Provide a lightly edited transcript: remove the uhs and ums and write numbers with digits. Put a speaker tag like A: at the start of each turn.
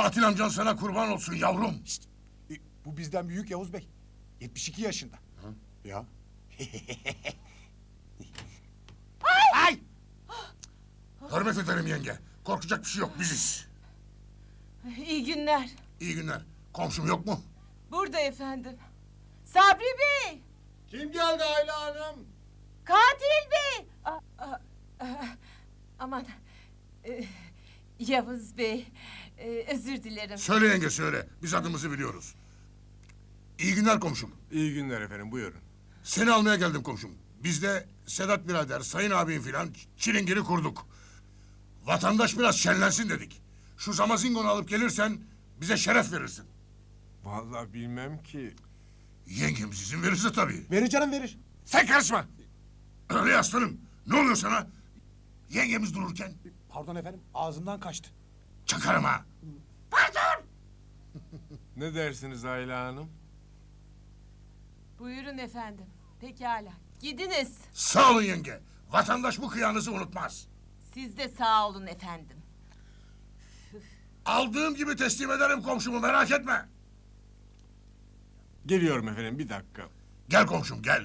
A: Katil amcan sana kurban olsun yavrum.
B: Bu bizden büyük Yavuz Bey. 72 yaşında. Ya.
A: Ay! Hürmet ederim yenge. Korkacak bir şey yok, biziz.
C: İyi günler.
A: İyi günler. Komşum yok mu?
C: Burada efendim. Sabri Bey!
D: Kim geldi Ayla Hanım?
C: Katil Bey! Aman. Yavuz Bey. Özür dilerim.
A: Söyle yenge söyle. Biz adımızı biliyoruz. İyi günler komşum.
D: İyi günler efendim, buyurun.
A: Seni almaya geldim komşum. Biz de Sedat birader, Sayın abim filan çilingiri kurduk. Vatandaş biraz şenlensin dedik. Şu Zamazingonu alıp gelirsen bize şeref verirsin.
D: Vallahi bilmem ki.
A: Yengemiz izin verirse tabii.
B: Verir canım verir.
A: Sen karışma. Öyle aslanım. Ne oluyor sana? Yengemiz dururken
B: Pardon efendim ağzımdan kaçtı.
A: çakarım ha.
D: Ne dersiniz Ayla Hanım?
C: Buyurun efendim. Pekala. Gidiniz.
A: Sağ olun yenge. Vatandaş bu kıyanızı unutmaz.
C: Siz de sağ olun efendim.
A: Aldığım gibi teslim ederim komşumu, merak etme.
D: Geliyorum efendim, bir dakika.
A: Gel komşum gel.